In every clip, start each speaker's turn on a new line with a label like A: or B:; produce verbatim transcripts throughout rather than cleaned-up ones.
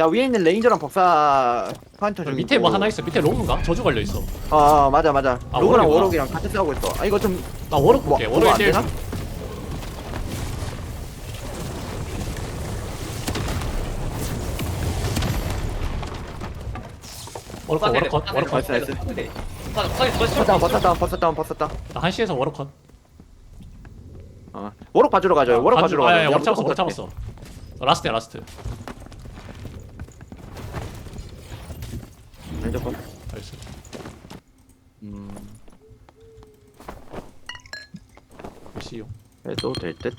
A: 나 위에 있는 레인저랑 법사 파인터 중이고
B: 밑에 뭐 하나 있어. 밑에 로그인가? 저주 걸려 있어.
A: 어 맞아 맞아
B: 아,
A: 로그랑
B: 워럭이구나.
A: 워럭이랑 같이 싸우고 있어. 아 이거 좀
B: 나 워럭
A: 뭐,
B: 볼게.
A: 뭐가
B: 워럭
A: 안
B: 일 대 일.
A: 되나?
B: 워럭 컷, 워럭 컷, 워럭 컷.
A: 나이스, 나이스.
C: 나이스.
A: 법사 다운 법사 다운 법사 다운 법사 다운.
B: 나 한시에서 워럭 컷.
A: 어 워럭 봐주러 가죠. 워럭 봐주러
B: 아,
A: 가죠.
B: 야, 워럭 잡았어,
A: 무조건
B: 워럭
A: 그렇게.
B: 잡았어. 어, 라스트야, 라스트.
A: 레인저 거.
B: 나이스.
A: 음
B: 몇시요?
A: 해도 될 듯.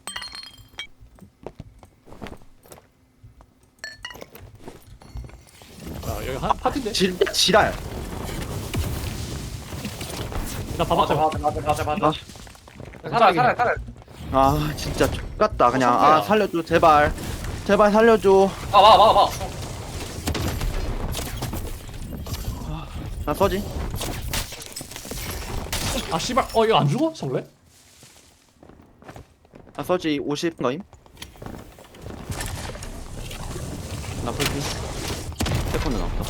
B: 야, 여기 한 파티인데?
A: 지 지랄.
B: 나
C: 맞아
B: 봐봐.
C: 맞아 맞아 맞아 맞아.
A: 아,
C: 살아 살아 살아.
A: 아 진짜 X같다 그냥.
B: 어, 성태야.
A: 아 살려줘 제발. 제발 살려줘.
C: 아와와 와.
A: 나 서지.
B: 아, 씨발. 어, 이거 안 죽어? 성래?
A: 나 서지 오십 거임. 나 풀피. 세컨드 나왔다.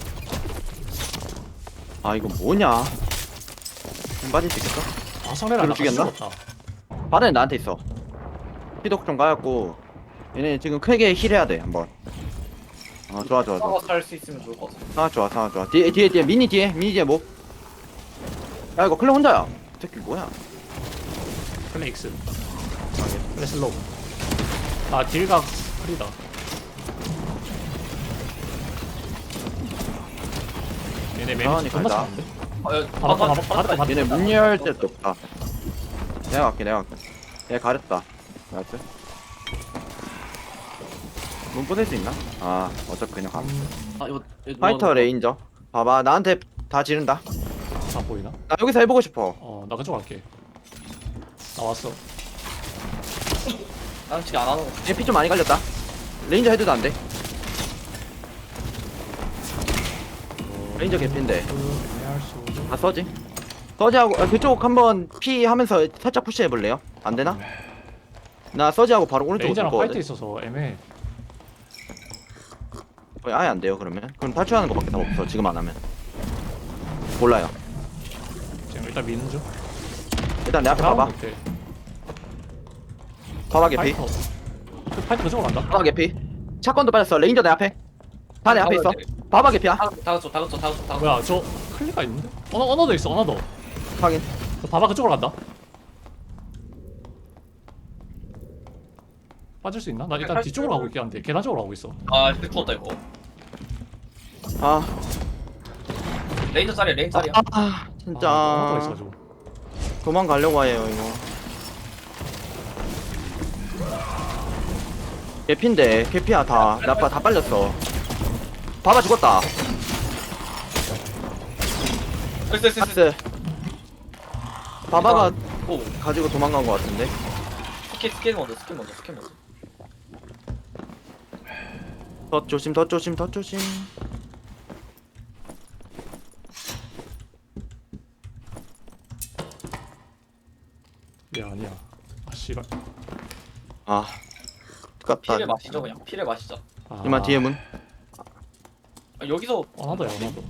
A: 아 이거 뭐냐? 좀 빠질 수 있겠어?
B: 아, 성래를
A: 그걸
B: 안
A: 죽였나?
B: 죽였다.
A: 바다는 나한테 있어. 피독 좀 까였고 얘네 지금 크게 힐해야 돼 한번. 아 좋아 좋아 좋아.
C: 싸워 살수 있으면 좋을 것 같아.
A: 상황 좋아 상황 좋아. 뒤에 뒤에 뒤에 미니 뒤에 미니 뒤에 뭐? 야 이거 클레 혼자야. 이 새끼 뭐야?
B: 플레이엑스. 플레 슬로우. 아, 딜각 프리다. 얘네
A: 천천히
B: 매미 존나
A: 가자.
B: 차는데?
C: 어, 야,
B: 봐봐, 봐봐, 봐봐, 봐봐.
A: 얘네 문 열 때도 없다. 내가 갈게 내가 갈게. 얘 가렸다. 나이스. 문 부술 수 있나? 아 어차피 그냥 가.
C: 아 이거 이거
A: 파이터
C: 뭐 하는
A: 레인저. 봐봐 나한테 다 지른다.
B: 안 보이나?
A: 나 여기서 해보고 싶어.
B: 어, 나 그쪽 갈게. 나 왔어.
C: 거야? 나는 지금 안 하는 거.
A: 얘 피 좀 많이 갈렸다. 레인저 헤드도 안 돼. 레인저 개피인데. 아 서지. 서지하고 아, 그쪽 한번 피 하면서 살짝 푸시해 볼래요? 안 되나? 나 서지하고 바로 오른쪽으로
B: 레인저랑
A: 돌
B: 파이트
A: 거거든.
B: 있어서 애매해.
A: 거의 아예 안 돼요 그러면. 그럼 탈출하는 거밖에 다 없어 지금 안 하면. 몰라요.
B: 지금 일단 미는 중.
A: 일단 내 앞에 봐봐.
B: 오케이.
A: 봐봐 개피.
B: 파이터. 그 파이터 그쪽으로 간다.
A: 봐봐 개피. 샷건도 빠졌어. 레인저 내 앞에. 다 내 앞에 있어. 봐봐 개피야.
C: 다 다그쳐 다그쳐 다그쳐 다그쳐.
B: 뭐야, 저 클리가 있는데? 언어, 언어도 있어, 언어도.
A: 확인.
B: 저 봐봐, 그쪽으로 간다. 빠질 수 있나? 나 일단 뒤쪽으로 가고 있긴 한데 계단 쪽으로 가고 있어.
C: 아 근데 죽었다 이거.
A: 아,
C: 레인저 짜리 레인저 짜리야.
A: 아, 아 진짜
B: 아, 언어가 있어가지고.
A: 도망가려고 해요 이거. 개피인데 개피야 다. 내 아빠 다 빨렸어. 봐봐 죽었다.
C: 됐어 됐어 됐어.
A: 박스. 바바가
C: 오
A: 가지고 도망간 것 같은데.
C: 스킬 스킬 먼저 스킬 먼저 스킬 먼저.
A: 더 조심 더 조심 더 조심.
B: 야, 아니야. 아, 씨발.
A: 아, 똑같다.
C: 피를 마시죠 그냥 피를 마시자.
B: 아,
A: 이만 뒤에 문.
C: 아, 여기서
B: 언어도야, 언어도.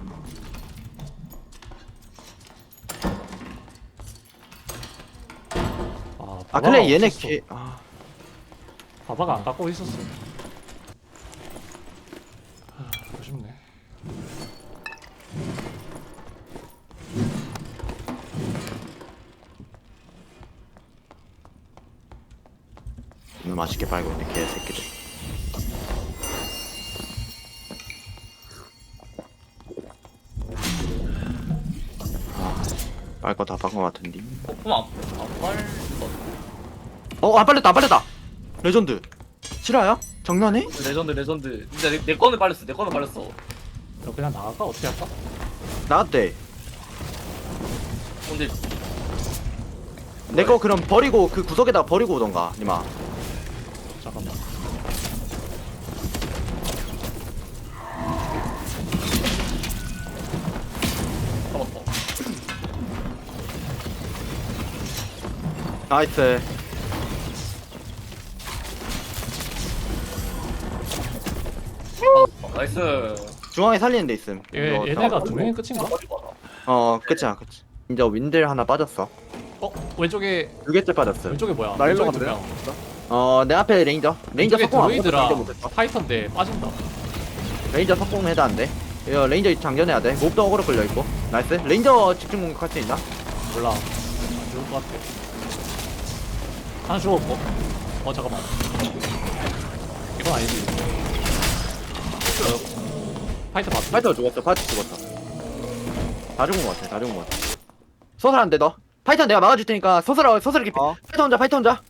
B: 아,
A: 아
B: 바바가
A: 그래 얘네
B: 없었어.
A: 개. 아,
B: 바바가 안 깎고 있었어. 아, 아쉽네.
A: 오늘 맛있게 빨고 있네 개새끼들. 아, 빨거 다 박은 것 같은데.
C: 어 그럼 안안 빨.
A: 어, 안 빨렸다, 안 빨렸다. 레전드. 실화야? 장난해?
C: 레전드 레전드. 진짜 내, 내 거는 빨렸어 내 거는 빨렸어.
B: 너 그냥 나갈까? 어떻게 할까?
A: 나왔대.
C: 근데
A: 내 거 그럼 버리고 그 구석에다가 버리고 오던가, 니마.
B: 잠깐만.
C: 잡았다.
A: 나이스.
C: 아 나이스.
A: 중앙에 살리는 데 있음.
B: 얘
A: 이거
B: 얘네가
A: 더-
B: 두 명이 끝인가?
A: 어 끝이야 끝이. 이제 윈들 하나 빠졌어.
B: 어 왼쪽에
A: 두 개째 빠졌어.
B: 왼쪽에 뭐야?
D: 나 일로
B: 왼쪽에 두
D: 간대요?
B: 명.
A: 어내 앞에 레인저. 레인저
B: 왼쪽에
A: 석공 아무것도
B: 드로이드랑
A: 장전 못했어.
B: 파이터인데 빠진다.
A: 레인저 석공 해도 안 돼. 이거 레인저 장전해야 돼. 몹도 어그로 끌려 있고. 나이스. 레인저 집중 공격할 수 있나?
B: 몰라. 안 죽을 것 같아. 하나 죽었고. 어 잠깐만. 이건 아니지. 어, 파이터 맞지?
A: 파이터 죽었어. 파이터 죽었어. 다 죽은 것 같아. 다 죽은 것 같아. 소설 안 돼 너. 파이터 내가 막아줄 테니까 소설 소설 깊이.
D: 어.
A: 파이터 혼자 파이터 혼자.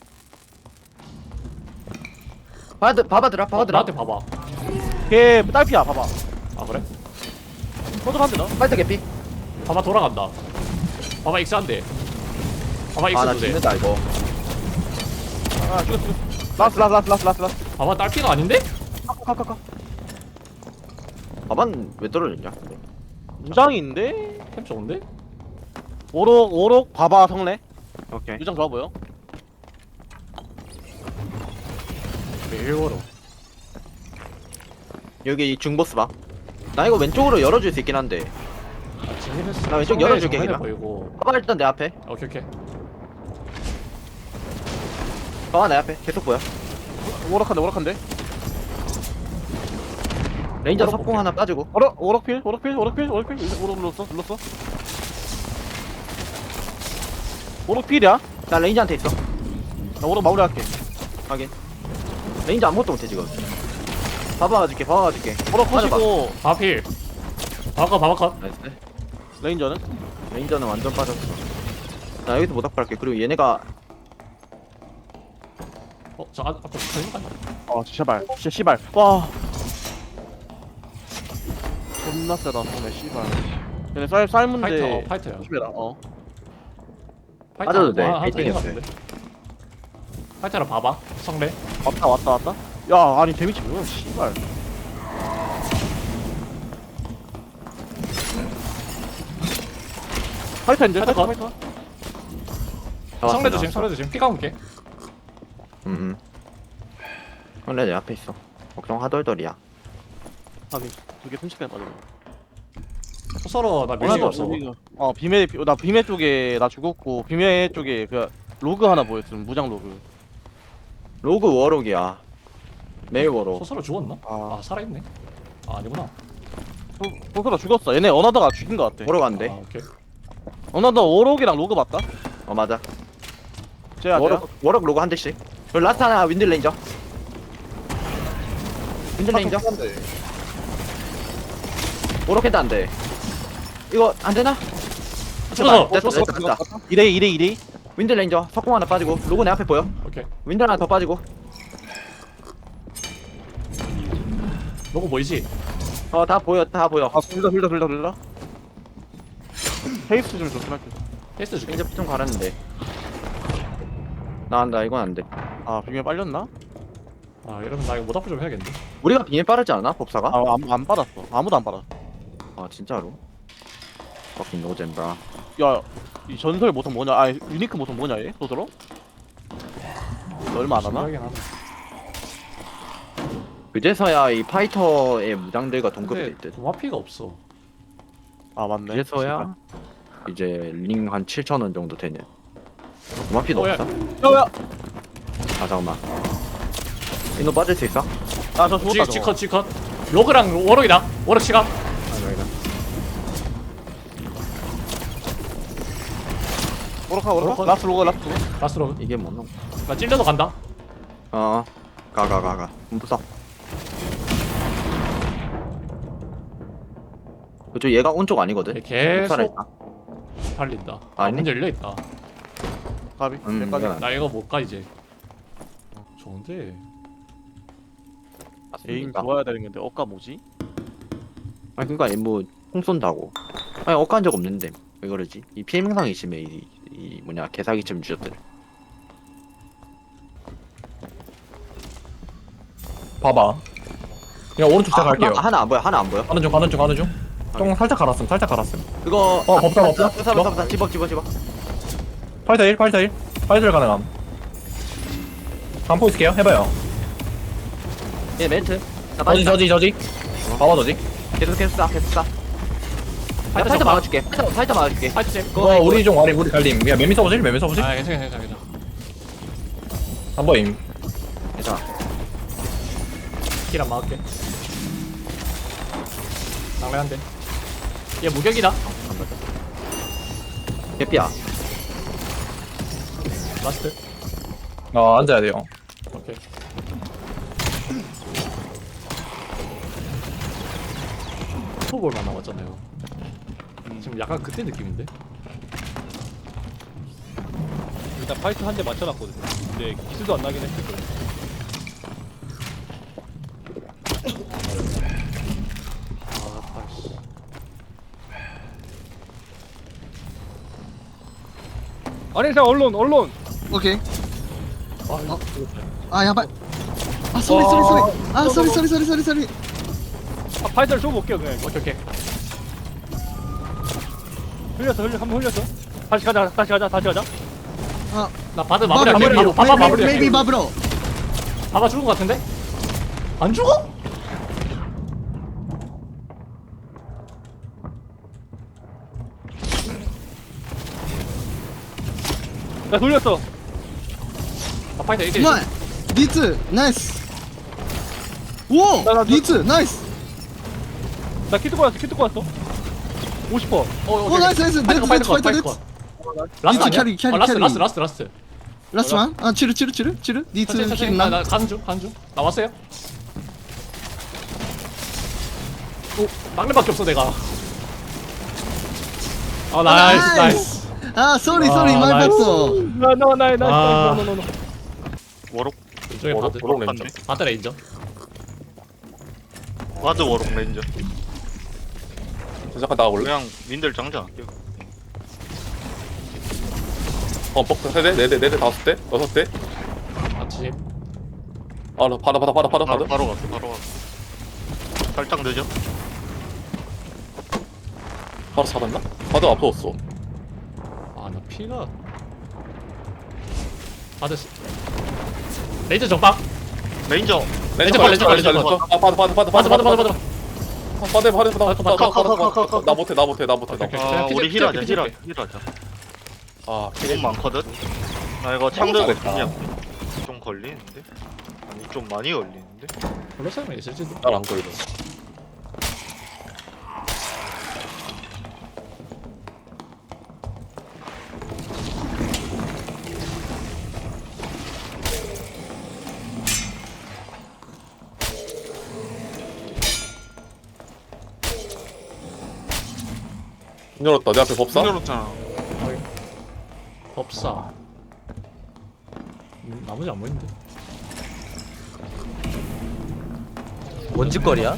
A: 봐봐 봐봐들아
B: 어,
A: 봐봐들아.
B: 나한테 봐봐.
D: 걔 딸피야 봐봐.
B: 아 그래?
D: 소독한데 너?
A: 파이터 개피.
B: 봐봐 돌아간다. 봐봐 익스한데. 봐봐 익스
A: 아나
B: 두 대.
A: 죽는다 이거.
D: 아 죽였어 죽였어. 라스 라스 라스 라스 라스 라스.
B: 봐봐 딸피가 아닌데?
D: 카카카카.
A: 봐반 왜 떨어졌냐?
D: 무장인데?
B: 템 좋은데?
D: 오록 오록 봐봐 성래.
A: 오케이.
D: 무장 좋아 보여.
B: 매일워로.
A: 여기 중보스 봐. 나 이거 왼쪽으로 열어줄 수 있긴 한데. 나 왼쪽 열어줄게,
B: 정면에
A: 그냥.
B: 보이고.
A: 봐봐 일단 내 앞에.
B: 오케이 오케이.
A: 봐봐 내 앞에. 계속 보여.
D: 오락한데 오락한데.
A: 레인저
B: 오락
A: 석공
B: 볼게.
A: 하나 빠지고.
D: 오락 오락필 오락필 오락필 오락필 오락 눌렀어 눌렀어. 오락필이야?
A: 나 레인저한테 있어.
D: 나 오락 마무리할게.
A: 확인. 레인저 아무것도 못해 지금. 봐봐 가줄게. 봐봐 가줄게.
D: 오락
A: 맞아,
D: 컷이고
B: 바필. 바바컷 바바컷.
A: 나이스.
D: 레인저는?
A: 레인저는 완전 빠졌어. 나 여기서 못 악발할게. 그리고 얘네가
B: 어저 아, 아까 걸린 거 아니야?
D: 어 제발 진짜 씨발. 와. 존나 세다 성래 씨발. 얘네 쌀 쌀문데.
B: 파이터 어, 파이터야.
D: 조심해라. 어.
B: 파이터
A: 맞아도 돼.
B: 아, 아,
A: 빌딩
B: 된 거
A: 했어요.
B: 같은데. 파이터라 봐봐. 성래.
D: 왔다 왔다 왔다. 야 아니 데미지 뭐야 씨발. 파이터인데
B: 파이터
D: 파이터
B: 컷.
D: 파이터.
B: 성래 조심 성래 조심. 피가 올게.
A: 음. 원래 내 앞에 있어. 걱정 하덜덜이야.
D: 아니 두개 순식간에 빠져.
B: 서로 나 뮤직 없어.
D: 어 비메 나 비메 쪽에 나 죽었고 비메 쪽에 그 로그 하나 보였음 무장 로그.
A: 로그 워록이야. 메일 워록.
B: 소서로 죽었나?
D: 아.
B: 아 살아있네. 아 아니구나.
D: 소소라 죽었어. 얘네 어나더가 죽인 것 같아.
A: 워록 안 돼.
B: 아 오케이.
D: 어나더 오록이랑 로그 맞다.
A: 어 맞아.
D: 쟤야 쟤야.
A: 워록 워록 로그 한 대씩. 그리고 라스트 하나 윈들 레인저. 윈들 레인저. 워록 해도 안 돼. 이거 안 되나?
B: 죽었어.
A: 됐다
B: 죽었어.
A: 됐다 됐다.
D: 이레이 이레이 이레이.
A: 윈들 레인저 석공 하나 빠지고 로고 내 앞에 보여.
B: 오케이.
A: 윈들 하나 더 빠지고.
B: 로고 보이지?
A: 어 다 보여 다 보여.
D: 아 둘다 둘다 둘다 둘다. 페이스 좀 좋긴 할게.
B: 테스트 줄게.
A: 레인저 좀 갈았는데. 나나 이건 안 돼.
D: 아 비메 빨렸나?
B: 아 이러면 나 이거 모닥불 좀 해야겠는데.
A: 우리가 비밀 빠르지 않아 법사가?
D: 아안 안 받았어. 아무도 안 받았어.
A: 아 진짜로? fucking 노잼브라.
D: 야, 이 전설 모성 뭐냐? 아, 유니크 모성 뭐냐 얘? 소스로? 너 얼마 안 하나?
B: 신기하긴 하네.
A: 그제서야 이 파이터의 무장들과 동급이
B: 근데
A: 될 듯.
B: 도마피가 없어.
D: 아 맞네.
A: 그제서야 이제 링 한 칠천 원 정도 되는. 도마피도
B: 어, 야.
A: 없어?
D: 야야.
A: 아 잠깐만. 이노 빠질 수 있어?
D: 아저 죽었다
B: 지,
D: 저거.
B: 지컷 지컷. 로그랑 워럭이다. 워럭 시각.
A: 아 여기다.
D: 오락하 오락하.
B: 오락하.
D: 라스트 로그 라스트 로그.
B: 라스 로그.
A: 이게 뭐 놈?
B: 나 찔려서 간다.
A: 어. 가 가 가 가. 무서. 그쪽 얘가 온 쪽 아니거든.
B: 얘 계속
A: 살아있다.
B: 달린다. 아,
A: 아니?
B: 문 열려 있다.
D: 가비.
A: 음,
D: 몇 가비.
A: 이건 안
B: 나 이거 못 가 이제. 어, 좋은데.
D: 에임
A: 맞습니까?
D: 좋아야 되는 건데 억까 뭐지?
A: 아니 그니까 뭐총 쏜다고. 아니 억까한 적 없는데 왜 그러지? 이 피해 명상이 심해 이, 이 뭐냐 개사기쯤 주셨들.
E: 봐봐. 그냥 오른쪽 제가 갈게요.
A: 하나, 하나 안 보여 하나 안 보여.
E: 가는 중, 가는 중, 가는 중. 똥 살짝 갈았음, 살짝 갈았음.
A: 그거
E: 어, 법사, 법사.
A: 법사 법사 법사 집어 집어 집어.
E: 팔 대 일, 팔 대 일. 팔 대 일 가능함. 반포 있을게요. 해봐요.
A: 얘 멘트. 나
E: 저지,
A: 빠진다.
E: 저지, 저지. 봐봐도지.
A: 계속 계속 쏴 계속 쏴. 내가
B: 파이터
A: 파이터
B: 좀
A: 막아줄게. 파이터 파이터 막아줄게.
B: 파이트 잼.
E: 어 우리 좀 와리 우리 달림. 야 매미 써보실? 매미 써보실?
B: 아 괜찮아 괜찮아 괜찮아.
E: 한번 임.
A: 괜찮아.
B: 길 안 막을게. 낭래한데. 얘 무격이다.
A: 개피야.
B: 라스트.
E: 어 앉아야 돼요.
B: 오케이. 포볼만 남았잖아요. 지금 약간 그때 느낌인데?
D: 일단 파이트 한 대 맞춰놨거든요. 근데 기술도 안 나긴 했을 거예요.
B: 아, 아이씨.
D: 아니 자 언론 언론.
F: 오케이.
B: 아, 이거
F: 아 야발. 아 쏘리 쏘리 쏘리. 아 쏘리 쏘리 쏘리 쏘리 쏘리.
D: 아 파이트를 좀 볼게요 그냥.
B: 오케이, 오케이.
D: 흘렸어 흘려 한번 흘렸어. 다시 가자 다시 가자 다시 가자.
B: 나 바드 마무리할게. 바바, 바바
F: 메이비
B: 마무리할게.
F: 바브로.
B: 바바 죽은 거 같은데? 안 죽어?
D: 나 돌렸어.
B: 아, 파이터 이렇게.
F: 나 니트 나이스. 오
D: 나, 나, 나-
F: 니트 나이스.
D: 나 키트 꼬였어 키트 꼬였어. 오십 퍼.
B: 어,
F: 오
B: 오케이.
F: 나이스 나이스.
B: 파이터
F: 네트
B: 컷,
F: 네트
B: 파이터
F: 파이터
B: 컷,
F: 네트.
B: 파이터 컷. 라스트
F: 이쪽
B: 아니야?
F: 캐리, 캐리,
B: 어, 라스트,
F: 캐리.
B: 라스트, 라스트, 라스트.
F: 라스트만. 아 치르 치르 치르 치르. 니트
B: 천천히, 천천히.
F: 킬
B: 나,
F: 나.
B: 나 가는 중, 가는 중. 나왔어요? 오, 막내밖에 없어 내가. 아, 나이스, 나이스.
F: 아 쏘리
B: 아,
F: 쏘리 말
B: 나이스.
F: 봤어.
D: 나나나 나
B: 아.
D: 노노노노.
G: 워록
B: 이쪽에
E: 워럭,
B: 바드.
E: 워럭 레인저.
B: 바드 레인저.
G: 와드 워록 레인저.
E: 잠깐 나가볼래?
G: 그냥 민들 장전.
E: 어 뻑 세대 네대 네대 다섯 대 여섯 대.
B: 아침.
E: 아 나 받아 받아 받아 받아
G: 바로
E: 받아.
G: 바로 갈게 바로 갈게. 살짝 늦어.
E: 바로 잡았나? 바드 앞서웠어.
B: 아, 나 피가. 바드. 스- 레이저 정박.
G: 레인저.
B: 레인저 봐, 레인저 봐, 레인저 봐.
E: 아 바드 바드 바드
B: 바드, 바드, 바드, 바드.
E: 바드 바드 바드 바드
B: 컷, 컷,
G: 컷, 컷, 컷.
E: 나 못해 나 못해 나 못해 나
B: 오케이,
E: 못해.
B: 오케이.
G: 아
B: 피드,
G: 우리
B: 피드,
G: 힐하자
B: 피드,
G: 힐하
B: 피드.
G: 힐하자.
E: 아
G: 너무 많거든. 나 이거 창들
E: 잘했다.
G: 그냥 좀 걸리는데. 아니 좀 많이 걸리는데.
B: 블러스는 있을지도.
E: 난안 걸려. 문 열었다. 내 앞에 법사?
G: 열었잖아.
B: 법사. 음, 나머지 안 보이는데.
H: 뭔 짓거리야?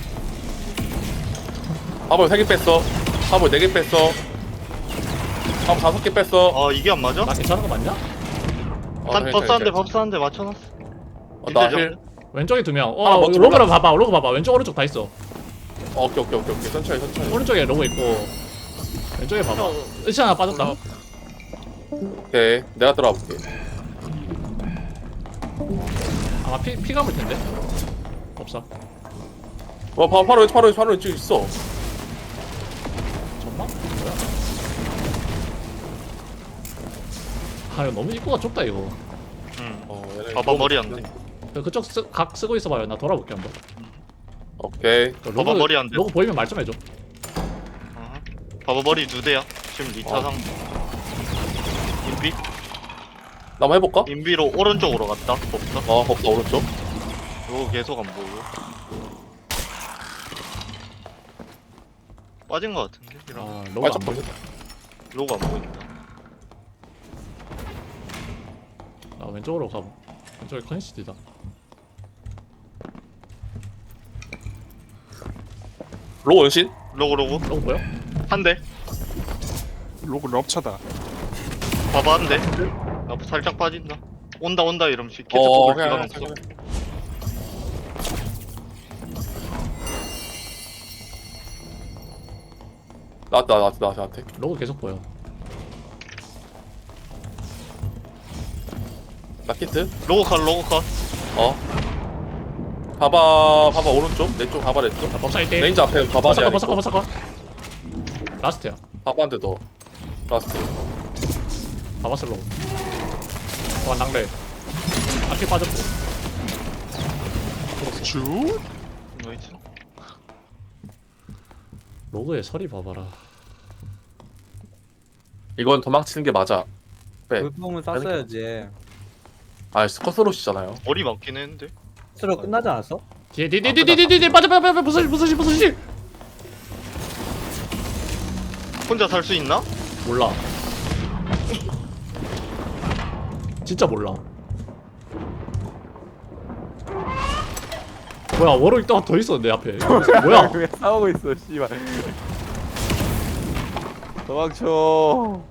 E: 화볼 세 개 뺐어. 화볼 네 개 뺐어. 화볼 다섯 개 뺐어.
G: 아 이게 안 맞아?
B: 나 괜찮은 거 맞냐?
E: 어,
G: 한
E: 네,
G: 법사 한대
E: 네,
G: 법사 한대 맞춰놨어.
E: 어, 나 힐.
B: 왼쪽에 두 명.
E: 아,
B: 어,
E: 먼저
B: 로그를
E: 올라가.
B: 봐봐. 로그 봐봐. 왼쪽 오른쪽 다 있어.
E: 어, 오케이 오케이 오케이 오케이. 천천히 천천히.
B: 오른쪽에 로그 있고 왼쪽에 봐봐. 의치 하나 빠졌다.
E: 오케이. 내가 들어가 볼게.
B: 아마 피, 피 감을 텐데. 법사.
E: 와, 바, 바로 왼쪽, 바로 왼쪽, 바로 왼쪽 있어.
B: 전망? 뭐야? 아, 이거 너무 입구가 좁다 이거.
G: 응.
E: 어, 얘네
G: 봐봐 머리 안 돼.
B: 그- 그쪽 쓰, 각 쓰고 있어봐요. 나 돌아볼게 한번.
E: 오케이.
B: 그
G: 봐봐 머리 안 돼.
B: 로고 보이면 말 좀 해줘.
G: 어허. 봐봐 머리 두 대야. 지금 니 차상. 인비?
E: 나 한번 해볼까?
G: 인비로 오른쪽으로 갔다. 법사.
E: 어, 법사 오른쪽.
G: 이거 계속 안 보여. 빠진 거 같은데? 이런
B: 아, 로고 안
E: 빨짝
B: 보여.
E: 보인다.
G: 로고 안 보인다.
B: 나 왼쪽으로 가보. 왼쪽에 커니시티다.
E: 로고 연신?
G: 로고 로고
B: 로고 보여?
G: 한 대.
I: 로그 럽차다.
G: 봐봐 한 대. 나 살짝 빠진다. 온다 온다 이러면 시- 캐트
E: 어,
G: 뽑을
E: 그냥,
G: 시간
E: 그냥,
G: 없어.
E: 그냥. 나왔다, 나왔다, 나왔다, 나한테.
B: 로고 계속 보여.
E: 나 키트?
G: 로고 컷 로고 컷.
E: 어. 봐봐 봐봐 오른쪽 내 쪽 봐봐 내쪽
B: 자 법사 일 대
E: 레인저 앞에 봐봐
B: 버사커
E: 내가
B: 버사커
E: 이거.
B: 버사커 라스트야
E: 봐봐 한대 더 라스트
B: 바바슬로 와 낭래 아킬 빠졌고
I: 쭉.
G: 나이스.
B: 로그의 설이 봐봐라
E: 이건 도망치는 게 맞아 빼
H: 불품을 쐈어야지.
E: 아 스커스로시잖아요
G: 머리 많긴 했는데.
H: 스로 끝나지 않았어?
B: 뒤에 뒤에 뒤에 뒤에 뒤에 뒤에 빠져 빠져 빠져 부서지 부서지 부서지
G: 혼자 살 수 있나?
B: 몰라 진짜 몰라 뭐야 워럭 또 더 있어 내 앞에 뭐야
D: 왜 싸우고 있어 씨발. 도망쳐.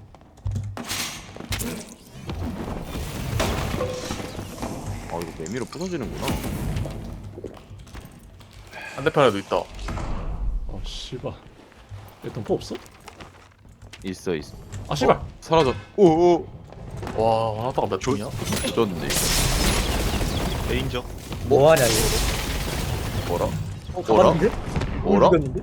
D: 아 이거 매미로 부서지는구나.
E: 반대편에도 있다
B: 어 씨발 얘 덤프 없어?
D: 있어 있어.
B: 아 씨발
D: 사라졌. 오오.
E: 와 하나다가 몇 중이야?
D: 졌는데 이거.
G: 레인저.
H: 뭐하냐 이거?
D: 뭐라?
H: 어,
D: 뭐라?
H: 가봤는데?
D: 뭐라?
H: 죽였는데?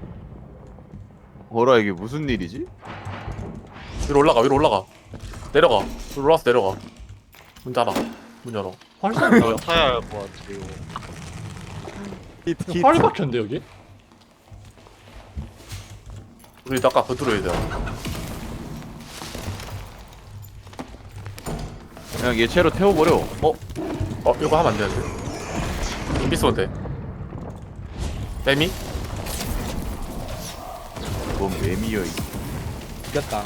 D: 뭐라 이게 무슨 일이지?
E: 위로 올라가 위로 올라가 내려가 위로 올라가서 내려가 문 닫아 문 열어
B: 활성 뭐야
G: 타야 할 것 같아요.
D: 히트
B: 활이 박혔는데 여기?
E: 우리 아까 그 뚫어야 돼
D: 그냥 얘 채로 태워버려. 어?
E: 어 이거 하면 안 되는데 좀비 쏘면 돼 매미?
D: 뭔 매미여 이.
H: 죽였다.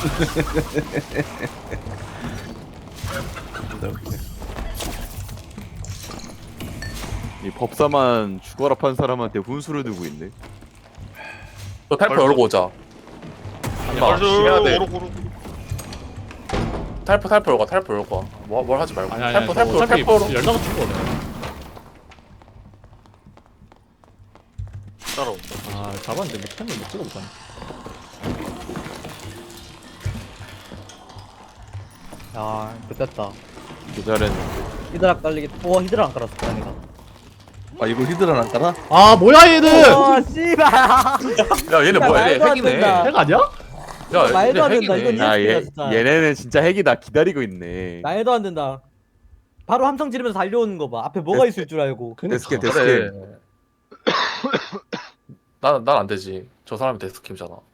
D: 이 법사만 죽어라 판 사람한테 훈수를 두고 있네.
E: 너 탈포 열고 오자 임마 해야 돼
G: 오로고로.
E: 탈포 탈포 열고 와, 탈포 열고 와. 뭐, 뭘 하지 말고
B: 아니 아니
E: 탈포
B: 아니
E: 탈포
B: 어차피
E: 탈포로
B: 열다가 죽어
G: 따라온다.
B: 아 잡았는데 뭐 템을 못 찍어보잖아
H: 야, 좋겠다.
D: 기다렸는데.
H: 히드락 깔리기. 오, 히드락 안 깔았어, 다행이다.
F: 아 이거 히드라 안 깔아?
B: 아 뭐야 얘는
H: 와, 씨발.
E: 야 얘네 뭐야 얘네
H: 말도 안
E: 핵이네
H: 된다.
B: 핵 아니야?
E: 야
H: 말도 안
E: 얘네
H: 된다,
E: 핵이네
H: 이건
D: 야 얘
H: 진짜.
D: 얘네는 진짜 핵이다 기다리고 있네.
H: 말도 안 된다. 바로 함성 지르면서 달려오는 거 봐. 앞에 뭐가 있을 줄 알고.
D: 데스켓
B: 그니까
D: 데스켓.
E: 그래 난난 안 되지 저 사람이 데스킴이잖아